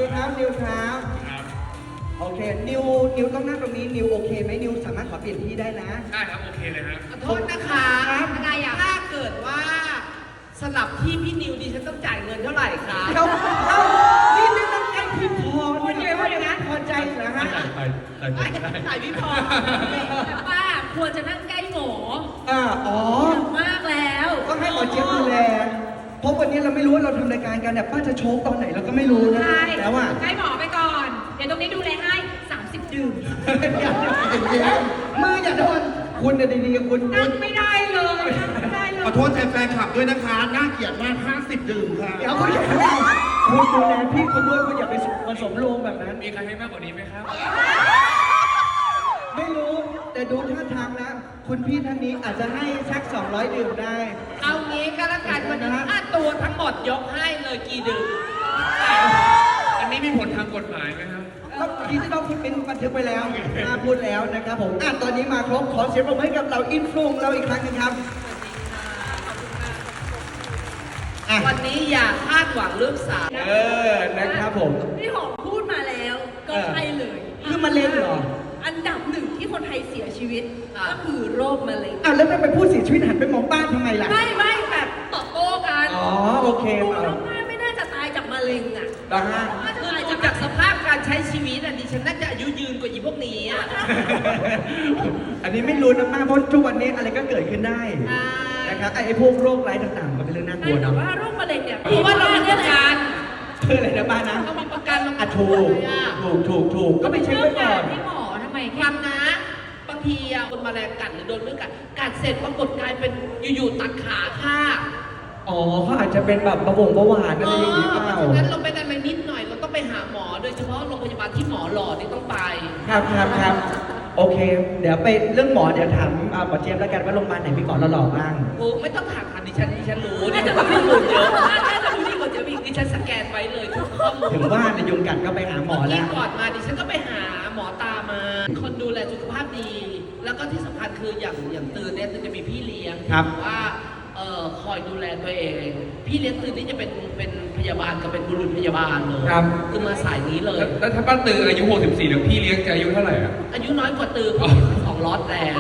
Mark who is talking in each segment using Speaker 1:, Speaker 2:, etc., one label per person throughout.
Speaker 1: ครับนิวครับโอเคนิวต้องนั่งตรงนี้นิวโอเคไหมนิวสามารถขอเปลี่ยนที่ได้นะ
Speaker 2: ได้ครับโอเคเลยครับ
Speaker 3: ขอโทษนะคะอะไรอ่ะถ้าเกิดว่าสลับที่พี่นิวดิฉันต้องจ่ายเงินเท่าไหร่คะ
Speaker 1: นี่ต้องให้พี่พรพูดเลยว่าอย่างนั้นพอใจเหรอฮะ
Speaker 3: จ่ายพี่พร
Speaker 4: แต่ป้าควรจะนั่งใกล้หมอ
Speaker 1: อ๋อ
Speaker 4: มากแล้ว
Speaker 1: ต้องให้หมอเจี๊ยบดูแลเพราะวันนี้เราไม่รู้ว่าเราทำรายการกันเนี่ยป้าจะโชว์ตอนไหนเราก็ไม่รู้นะแล้วว่า
Speaker 4: ใกล้หมอไปก่อน เดี๋ยวตรงนี้ดูแลให้30 ดื่ม
Speaker 1: มืออย่าโดนคุณเนี่ยดีๆคุณ
Speaker 4: นั่งไม่ได้เลยนั่งไม่ได้เลย
Speaker 5: ขอโทษแทนแฟนคลับด้วยนะคะน่าเกลียดมาก50 ดื่มค่ะ
Speaker 1: เดี๋ยวคุณอย่าคุณดูแลพี่คุณด้วยคุณอย่าไปผสมโลงแบบนั้น
Speaker 2: มีใครให้มากกว่านี้ไหมครับ
Speaker 1: ไม่รู้แต่ดูท่าทางแล้วคุณพี่ท่านนี้อาจจะให้สัก200 ดื่มได้
Speaker 3: เอางี้ก็แล้วกันวันนี้ค่าตัวทั้งหมดยกให้เลยกี่ดื่ม
Speaker 2: อันนี้มีผลทางกฎหมายไหมครับ
Speaker 1: ก็ที่ต้องเป็นบันทึกไปแล้วพูดแล้วนะครับผมตอนนี้มาครบขอเสียงปรบมือให้กับเราอินฟลูงเราอีกครั้งนึงครับ
Speaker 3: วันนี้อย่าคาดหวังเรื่องสาร
Speaker 1: นะครับผม
Speaker 4: พี่หอมพูดมาแล้วก็ใช่เลย
Speaker 1: คือมะเร็งเหรอ
Speaker 4: อันดับ1ที่คนไทยเสียชีวิตก็คือโรคมะเร็ง
Speaker 1: แล้วถ้าไปพูดเสียชีวิตหันไปมองบ้านทำไมล่ะ
Speaker 4: ไม่แบบตอบโต้กัน
Speaker 1: โอเค
Speaker 4: ไม่น่าจะตายจากมะเร็งอ่ะ
Speaker 3: คือจากสภาพการใช้ชีวิตดิฉันน่าจะอายุยืนกว่าอีพวกนี้อ่ะ
Speaker 1: อันนี้ไม่รู้นะมากเพราะทุกวันนี้อะไรก็เกิดขึ้นได้นะครับไอ้พวกโรคร้ายต่างๆมันเป็นเรื่องน่ากลัว
Speaker 4: แต่ว่าโรคมะเร็งเนี่ย
Speaker 3: เพราะว่าเรามีประกัน
Speaker 1: คืออะไรนะบ้านนะ
Speaker 3: เรามีประกันเรา
Speaker 1: ถูกก็ไปเช็คไว้ก่อน
Speaker 4: พี่หมอทำไม
Speaker 3: ฟังนะบางทีคนแมลงกัดหรือโดนเรื่องกัดเสร็จปรากฏกลายเป็นอยู่ๆตัดขาค่ะ
Speaker 1: เขาอาจจะเป็นแบบเบาหวานอะไรอย่างนี้เปล่า
Speaker 3: เพราะฉะนั้นเราเป็นอะไรนิดหน่อยเราต้องไปหาหมอโดยเฉพาะโรงพยาบาลที่หมอหล่อนี่ต้องไป
Speaker 1: ครับโอเคเดี๋ยวไปเรื่องหมอเดี๋ยวถามหมอเจี๊ยบแล้วกันว่าโรงพยาบาลไหนมีหมอหล่อบ้าง
Speaker 3: โอ้ไม่ต้องถามดิฉันรู้ดิฉันรู้เยอะน่าจะรู้ดีกว่าจะมีดิฉันสแกนไว้เลยทุกข้อมูล
Speaker 1: ถึงว่าในยุงกัดก็ไปหาหมอแล้ว
Speaker 3: ก่อนมาดิฉันก็ไปหาหมอตามาคนดูแลสุขภาพดีแล้วก็ที่สำคัญคืออย่างตื่นเนี่ยตื่นจะมีพี่เลี้ยงว่าคอยดูแลตัวเองพี่เลี้ยงตื่นนี่จะเป็นพยาบาลกับเป็นบุรุษพยาบาลเลยคือมาสายนี้เลย
Speaker 2: แล้วถ้าป้าตื่นอายุ64แล้วพี่เลี้ยงจะอายุเท่าไหร่อ่ะ
Speaker 3: อายุน้อยกว่าตื่น2 ล็อตแล้ว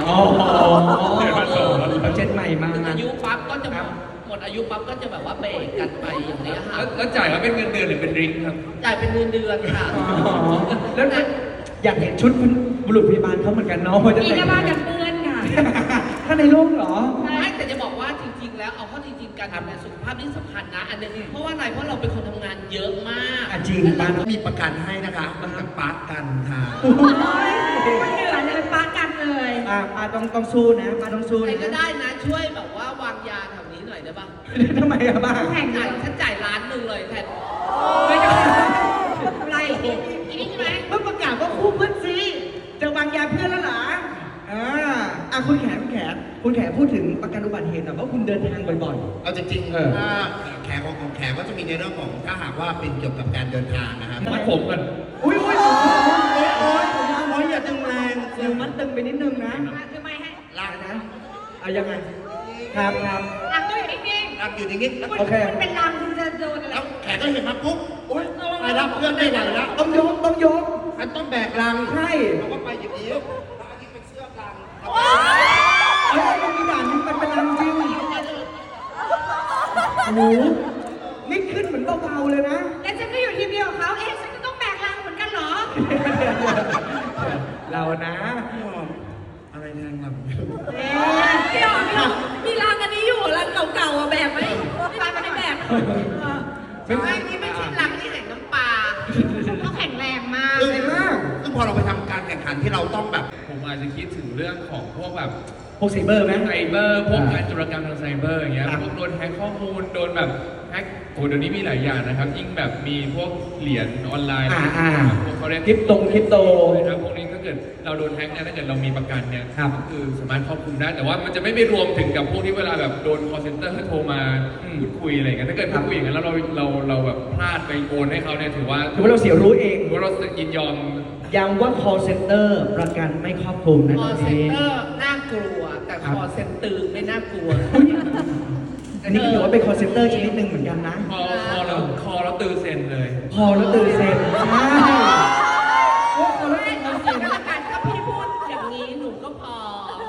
Speaker 1: เจ็ดใหม่มา
Speaker 3: อายุปั๊บก็จะหมดอายุปั๊บก็จะแบบว่าเบรกกันไปอย่างนี้ค่ะ
Speaker 2: แล้วจ่ายว่าเป็นเงินเดือนหรือเป็นริงครับ
Speaker 3: จ่ายเป็นเงินเดือนค่ะ
Speaker 1: แล้วอยากเห็นชุดบุรุษพยาบาลเขาเหมือนกันเนาะ
Speaker 4: มีกระบาดกันเปื้อนค่ะ
Speaker 1: ถ้าในโลกเหรอ
Speaker 3: ไม่แต่จะบอกว่าจริงๆแล้วเอาเข้าจริงๆการทำงานสุขภาพนี่สำคัญนะอันนึงเพราะว่าอะไรเพราะเราเป็นคนทำงานเยอะมาก
Speaker 1: จริง
Speaker 5: บ้านมีประกันให้นะคะมันกับปาร์กันค่ะ
Speaker 4: เหนื่อยเลยปาร์กันเลย
Speaker 1: ป้าต้องสู้นะป้าต้องสู้
Speaker 3: ใครก็ได้นะช่วยแบบว่าวางยาแถวนี้หน่อยได้ป่ะ
Speaker 1: ทำไมอะบ้า
Speaker 3: แข่งจ่ายฉันจ่าย1,000,000เลยแทน
Speaker 4: ไม่ได้อะไรอีนี่ใช่ไหม
Speaker 1: เมื่อประกาศว่าคู่เพื่อนซีจะวางยาเพื่อนแล้วเหรอคุณแขพูดถึงประกันอุบัติเหตุแต่ว่าคุณเดินทางบ่อย
Speaker 5: ๆเอาจริงๆถ้าแขกของแขกก็จะมีในเรื่องของถ้าหากว่าเป็นเกี่ยวกับการเดินทางนะครับ
Speaker 2: มัดผมกัน
Speaker 1: อุ้ยอย่าตึงแรงเดี๋ยวมัดตึงไปนิดนึงนะ
Speaker 4: คือไม่ให้
Speaker 1: ลากนะยังไงครับ
Speaker 4: ลากตัวอยู่นิ่ง
Speaker 5: ๆลากอยู่นิ่ง
Speaker 1: ๆโอเค
Speaker 4: มันเป็นลางคุณจะโดนอะไร
Speaker 5: แล้วแขกก็เห็นมาปุ๊บไปรับเพื่อนได้ไหวแล้ว
Speaker 1: ต้องยก
Speaker 5: มันต้องแบกลัง
Speaker 1: ใช่
Speaker 5: เราก็ไปอย่างนี้เป็นเสื้อลัง
Speaker 1: มันมีด่านมันเป็นลังจริงโอ้นี่ขึ้นเหมือนเบาๆเลยนะ
Speaker 4: แล้วฉันก็อยู่ทีมเดียวกับเขาฉันก็ต้องแบกลังเหมือนกันเหรอ
Speaker 1: เรานะ
Speaker 5: อะไรแรงลัง
Speaker 4: พี่อ๋อมีลังอันนี้อยู่ลังเก่าๆแบกไหมไม่แบก
Speaker 3: นี่ไม่ใช่ลังที่แห่งน้ำปลา
Speaker 4: เขาแข็งแรงมาก
Speaker 5: ซึ่งพอเราไปทำการแข่งขันที่เราต้องแบบ
Speaker 2: ผมอาจจะคิดถึงเรื่องของพวกแบบ
Speaker 1: พวกไซเบอร์ไหม
Speaker 2: ไซเบอร์พวกการจุลกรรมทางไซเบอร์อย่างเงี้ยพวกโดนแฮกข้อมูลโดนแบบแฮกเดี๋ยวนี้มีหลายอย่างนะครับยิ่งแบบมีพวกเหรียญออนไลน์พวกเขาเรียก
Speaker 1: คริปโต
Speaker 2: นะครับพวกนี้ถ้าเกิดเราโดนแฮกเนี่ยถ้าเกิดเรามีประกันเนี่ยคือสามารถครอบคลุมได้แต่ว่ามันจะไม่ไปรวมถึงกับพวกที่เวลาแบบโดน call center โทรมาพูดคุยอะไรอย่างเงี้ยถ้าเกิดพูดคุยอย่างนั้นแล้วเราแบบพลาดไปโอนให้เขาเนี่ยถือว่า
Speaker 1: เราเสียรู้เอง
Speaker 2: ถือว่าเรายินยอม
Speaker 1: ย้ำว่า call center ประกันไม่ครอบคลุมนะ
Speaker 3: call center น่ากลัวแต่ call center ไม่น่ากลัว
Speaker 1: อันนี้ก็ถือว่าเป็น call center ชนิดหนึ่งเหมือนกันนะ
Speaker 2: คอเราตื่นเซ็นเลย
Speaker 1: พอแล้วตื่นเซ็นใช่โอ้พอแล้วตื่น
Speaker 4: เอา
Speaker 1: เซ็น
Speaker 4: ถ้าพี่พูดอย่างนี้หนูก็พอ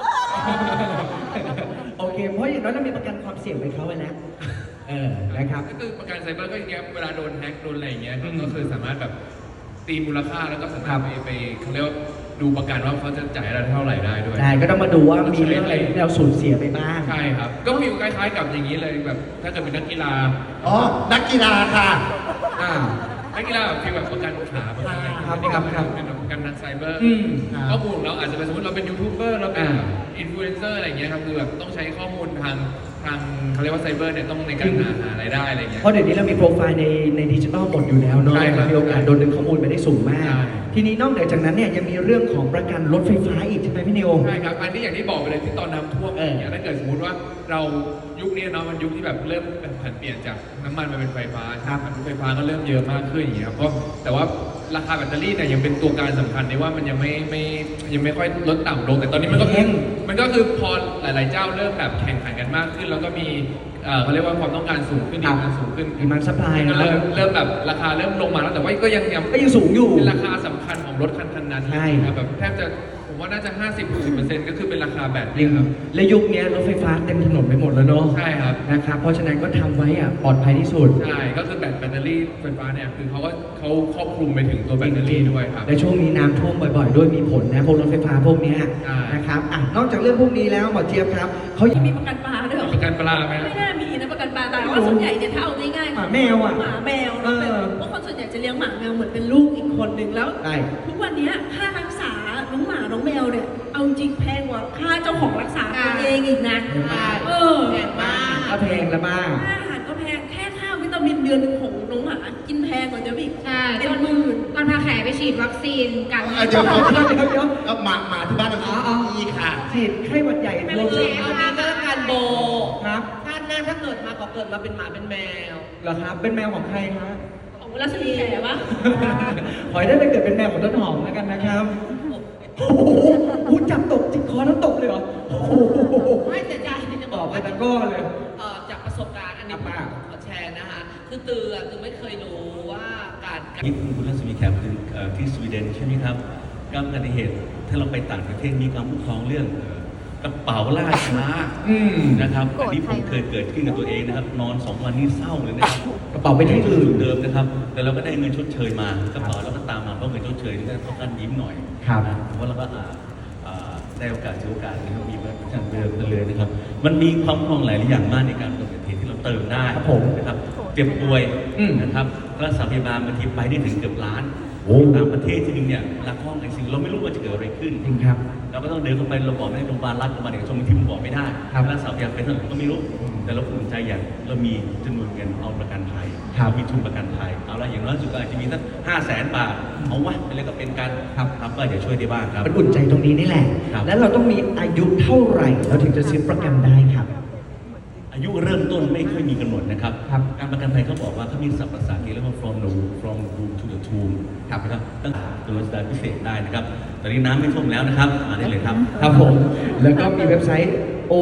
Speaker 1: โอเค เพราะอย่างน้อยเรามีประกันความเสี่ยงไปเขาไว้แล้วนะครับ
Speaker 2: ก็คือประกันไซเบอร์ก็อย่างเงี้ยเวลาโดนแฮ็กโดนอะไรอย่างเงี้ย
Speaker 1: อืม
Speaker 2: ก็คือสามารถแบบตีมูลค่าแล้วก็สา
Speaker 1: ครั
Speaker 2: มาร
Speaker 1: บ
Speaker 2: ถไปเขาเรียกว่าดูประกันว่าเขาจะจ่ายเราเท่าไหร่ได้ด้วย
Speaker 1: ใช่ก็ต้องมาดูว่ามีเรื่องอะไรที่เราสูญเสียไปบ้าง
Speaker 2: ใช่ครับ ก็ฟีลคล้ายๆกับอย่างนี้เลยแบบถ้าเกิดเป็นนักกีฬา
Speaker 5: อ๋อ นักกีฬาค่ะ
Speaker 1: อ่า
Speaker 2: นักกีฬาแบบฟีลแบบประกันขาประกันอะไรอย่างเงี้ย
Speaker 1: ครับ
Speaker 2: นี่ก็
Speaker 1: ครับ
Speaker 2: เป็นประกันทางไซเบอร์
Speaker 1: อืม
Speaker 2: ข้อมูลของเราอาจจะเป็นสมมติเราเป็นยูทูบเบอร์เราเป็น
Speaker 1: อ่า
Speaker 2: อินฟลูเอนเซอร์อะไรอย่างเงี้ยครับคือแบบต้องใช้ข้อมูลทางเขาเรียกว่าไซเบอร์เนี่ยต้องในการหารายได้อะไรอย่างเงี้ย
Speaker 1: เพราะเดี๋ยวนี้เรามีโปรไฟล์ในดิจิทัลหมดอยู่แล้วเนาะ
Speaker 2: ใช่ครับ
Speaker 1: มีโอกาสโดนดึงข้อมูลไปได้สูงมาก
Speaker 2: ใช่
Speaker 1: ทีนี้นอกเหนือจากนั้นเนี่ยยังมีเรื่องของประกันรถไฟฟ้าอีกใช่ไหมพี่นิว
Speaker 2: ใช่ครับ อันนี้อย่างที่บอกไปเลยที่ตอนน้ำท่วมอย่างเงี้ยถ้าเกิดสมมติว่าเรายุคนี้เนาะมันยุคที่แบบเริ่มแบบผันเปลี่ยนจากน้ำมันมาเป็นไฟฟ้า
Speaker 1: ครับ
Speaker 2: รถไฟฟ้าก็เริ่มเยอะมากขึ้นอย่างเงี้ยครับก็แต่ว่าราคาแบตเตอรี่เนี่ยยังเป็นตัวการสำคัญในว่ามันยังไม่ค่อยลดต่ำลงแต่ตอนนี้มันก็คือพอหลาย ๆ เจ้าเริ่มแบบแข่งขันกันมากขึ้น แล้วก็มีเขาเรียกว่าความต้องการสูงขึ้น
Speaker 1: ครับ
Speaker 2: ดีมานสูงขึ้น
Speaker 1: demand supply
Speaker 2: ก็เริ่มแบบราคาเริ่มลงมาแล้วแต่ว่าก็ยัง
Speaker 1: ก็ยังสูงอยู่
Speaker 2: เป็นราคาสำคัญของรถคันนั้น
Speaker 1: ใช่
Speaker 2: ครับแบบแทบจะผมว่าน่าจะ 50-60%ก็คือเป็นราคาแบต
Speaker 1: จริง
Speaker 2: ครับ
Speaker 1: และยุคนี้รถไฟฟ้าเต็มถนนไปหมดแล้วเนาะ
Speaker 2: ใช่ครับ
Speaker 1: นะครับ เพราะฉะนั้นก็ทำไว้อะปลอดภัยที่สุด
Speaker 2: ใช่ ก็คือแบตเตอรี่ไฟฟ้าเนี่ยคือเขาครอบคลุมไปถึงตัวแบตเตอรี่ด้วยครับ
Speaker 1: และช่วงนี้น้ำท่วมบ่อยๆ ด้วยมีผลนะพวกรถไฟฟ้าพวกเนี้ย
Speaker 2: ใช่
Speaker 1: นะครับอ่ะนอกจากเรื่องพวกนี้แล้วหมอเจี๊ยบครับเขา
Speaker 4: มีประกันปลาด้วยเหรอ
Speaker 2: ประกันปลาไหม
Speaker 4: ไม่น่ามีนะประกันปลาแต่ว่าส่วนใหญ่เนี่ยถ้าเอาง่ายๆ
Speaker 1: หมาแมวอะ
Speaker 4: หมาแมว
Speaker 1: เออ
Speaker 4: เพราะคนส่วนใหญ่จะเลี้ยงหมาแมวเหมือนเป็นลูกอีกคนหนึ่งแล้ว
Speaker 1: ใช่
Speaker 4: ทุกวันเนี้ยค่ารักษาน้องหมาน้องแมวเนี่ยเอาจริงแพงกว่าค่าเจ้าของรักษาตัวเองอีกนะ
Speaker 3: ใช่
Speaker 4: เออ
Speaker 3: แพงมาก
Speaker 1: ก็แพงแล้วบ้าง
Speaker 4: ค่าอาหารก็แพงแค่ค่าวิตามินเดือนหนึ่งของน้องหมากินแพงกว่าเดิมอีก
Speaker 6: ใช่
Speaker 4: เป็นหมื่น
Speaker 6: ตอนพาแขไปฉีดวัคซีนกัน
Speaker 5: เดี๋ยว
Speaker 1: เดี๋ยว
Speaker 5: เอาหมาที่บ้านเรา
Speaker 1: อ๋อ
Speaker 5: มีค่ะ
Speaker 1: ฉีดไข้หวัดใหญ่
Speaker 3: ไม่
Speaker 1: รวม
Speaker 3: ใช่เอานี้ก็แล้วกันโบ
Speaker 1: ครับ
Speaker 3: ชาติหน้าถ้าเกิดมาก็เกิดมาเป็นหมาเป็นแมว
Speaker 1: เหรอครับ เป็นแมวของใครครับ
Speaker 4: ของรัศมีแขวะ
Speaker 1: ขอให้ได้ไปเกิดเป็นแมวของต้นหอมแล้วกันนะครับโอ้โหพูดจับตกจิกคอแล้วตกเลยเหรอโอ้โห
Speaker 3: ไม่แต่ใจจะ
Speaker 1: บบ อ
Speaker 3: อก ก
Speaker 1: ไป
Speaker 3: ว่า
Speaker 1: ตะกร้อเลย
Speaker 3: จากประสบการณ์อันนี้
Speaker 1: ครับป้า
Speaker 3: ขอแชร์นะคะคือตือไม่เคยรู้ว่าการ
Speaker 7: นี่คุณรัศมีแขกคือที่สวีเดนใช่ไหมครับก็อุบัติเหตุถ้าเราไปต่างประเทศมีการคุ้มครองเรื่องกระเป๋าล่าช้านะครับอันนี้ผมเคยเกิดขึ้นกับตัวเองนะครับ นอน 2 วันนี่เศร้าเลยนะครับ
Speaker 1: กระเป๋าไปที่อื่น
Speaker 7: เดิมนะครับ แต่เราก็ได้เงินชดเชยมากระเป๋าเราก็ตามมาเพราะเงินชดเชยนี่ก็ต้องการยิ้มหน่อย
Speaker 1: ครับ
Speaker 7: นะเพราะเราก็ได้โอกาสถือโอกาสนะครับมีมาจันเดิมกันเลยนะครับ มันมีความคล่องหลายอย่างมากในการเกิดอุบัติเหตุที่เราเติมได้
Speaker 1: ครับผม
Speaker 7: นะครับเจ็บป่วย
Speaker 1: อืม
Speaker 7: นะครับรักษาพยาบาลบางทีไปได้ถึงเกือบล้าน
Speaker 1: โอ้
Speaker 7: ต่างประเทศที่นึงเนี่ยรักห้องไอซีเราไม่รู้ว่าจะเกิดอะไรขึ้น
Speaker 1: จริงครับ
Speaker 7: เราก็ต้องเดินเข้าไปเราบอกไม่ได้โรงพยาบาลรัฐโรงพยาบาลเอกชนบางทีมันบอกไม่ได้
Speaker 1: ครับ
Speaker 7: รักษาพยาบาลเป็นเท่าไหร่ก็ไม่รู้ แต่เราภูมิใจอย่างเรามีจำนวนเงินเอาประกันภัย
Speaker 1: ครับ
Speaker 7: เรามีทุนประกันภัยเอาละอย่างน้อยสุดก็อาจจะมีสัก500,000 บาทเอาวะไปเลยก็เป็นการ
Speaker 1: ครับ
Speaker 7: ก็จะช่วยได้บ้างครับ
Speaker 1: มันอุ่นใจตรงนี้นี่แหละ
Speaker 7: ครับ
Speaker 1: แล้วเราต้องมีอายุเท่าไหร่เราถึงจะซื้อประกันได้ครับ
Speaker 7: อายุเริ่มต้นไม่ค่อยมีกำหนดนะครับ
Speaker 1: ครับ
Speaker 7: การประกันภัยเขาบอกว่าเขามีศัพท์ภาษาอังกฤษเรียกว่า from the room to the tomb
Speaker 1: ครับ
Speaker 7: นะครับตั้งแต่ตัวรัชดาพิเศษได้นะครับ ตอนนี้น้ำไม่ท่วมแล้วนะครับ มาได้เลยครับ
Speaker 1: ครับผม แล้วก็มีเว็บไซต์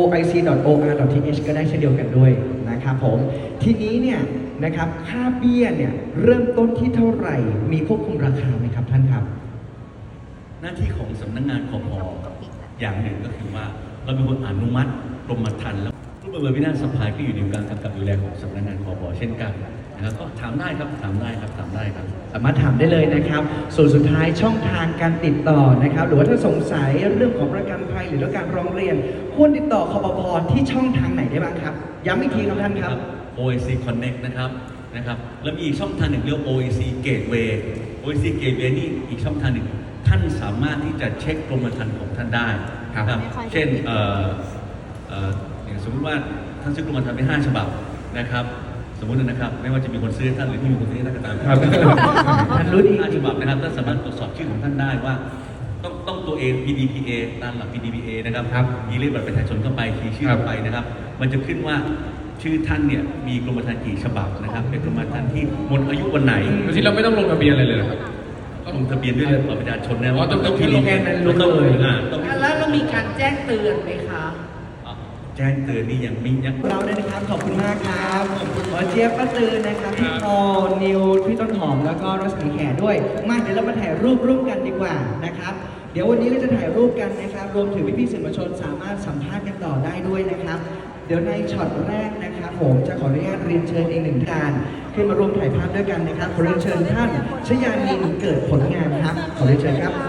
Speaker 1: oic.or.th ก็ได้เช่นเดียวกันด้วยนะครับผม ทีนี้เนี่ยนะครับค่าเบี้ยเนี่ยเริ่มต้นที่เท่าไหร่ มีควบคุมราคาไหมครับท่านครับ
Speaker 7: หน้าที่ของสำนักงานคพอย่างหนึ่งก็คือว่าเราเป็นคนอนุมัติกรมธรรม์แล้วรูปแบบวินาศสภาก็อยู่ในการกำกับดูแลของสำนักงานคพเช่นกันนะครับก็ถามได้ครับถามได้ครับถามได้ครับ
Speaker 1: สามารถถามได้เลยนะครับ ส่วนสุดท้ายช่องทางการติดต่อนะครับ หรือว่าถ้าสงสัยเรื่องของประกันภัยหรือว่าการร้องเรียน ควรติดต่อคปภที่ช่องทางไหนได้บ้างครับ ย้ำอีกทีครับท่านครับ
Speaker 7: OIC Connect นะครับแล้วมีอีกช่องทางหนึ่งเรียกว่า OIC Gateway OIC Gateway นี่อีกช่องทางหนึ่งท่านสามารถที่จะเช็คกรมธรรม์ของท่านได้
Speaker 1: ครับ
Speaker 7: เช่นอย่างสมมติว่าท่านซื้อกรมธรรม์ไป5 ฉบับนะครับ สมมุตินะครับไม่ว่าจะมีคนซื้อท่านหรือไม่มีคนซื้อท่านก็ตาม
Speaker 1: ครับ ท่านรู้ดี
Speaker 7: 5 ฉบับนะครับท่านสามารถตรวจสอบชื่อของท่านได้ว่าต้องตัวเอง PDPA ตามหลัก PDPA นะครับ
Speaker 1: ครับ
Speaker 7: มีเลขบัตรประชาชนเข้าไปคีย์ชื่อเข้าไปนะครับ มันจะขึ้นว่าชื่อท่านเนี่ยมีกรมธรรม์กี่ฉบับนะครับ เป็นกรมธรรม์ที่หมดอายุวันไหน
Speaker 2: โดยที่เราไม่ต้องลงทะเบียนอะไรเลยเหรอครับ
Speaker 7: ก็ลงทะเบียนด้วยบัตรประชาชนนะ
Speaker 2: อ๋อต้อง
Speaker 7: PDPA
Speaker 1: แค่นั้นรู้เลย
Speaker 7: ต้อง
Speaker 3: แล้วเรามีการแจ้งเตือนไหมคะ
Speaker 7: แแจ้งเตือนนี่ยังไม่ยัง
Speaker 1: เราเนี่ยนะครับขอบคุณมากครับขอบคุณหมอเจี๊ยบป้าตือนะครับพี่พอนิวพี่ต้นหอมแล้วก็รัศมีแขด้วยมาเดี๋ยวเรามาถ่ายรูปร่วมกันดีกว่านะครับเดี๋ยววันนี้เราจะถ่ายรูปกันนะครับรวมถึงพี่ๆสื่อมวลชนสามารถสัมภาษณ์กันต่อได้ด้วยนะครับ เดี๋ยวในช็อตแรกนะครับผมจะขออนุญาตเรียนเชิญอีกหนึ่งท่านขึ้นมาร่วมถ่ายภาพด้วยกันนะครับขอเรียนเชิญท่านชยานินเกิดผลงามครับขอเรียนเชิญครับ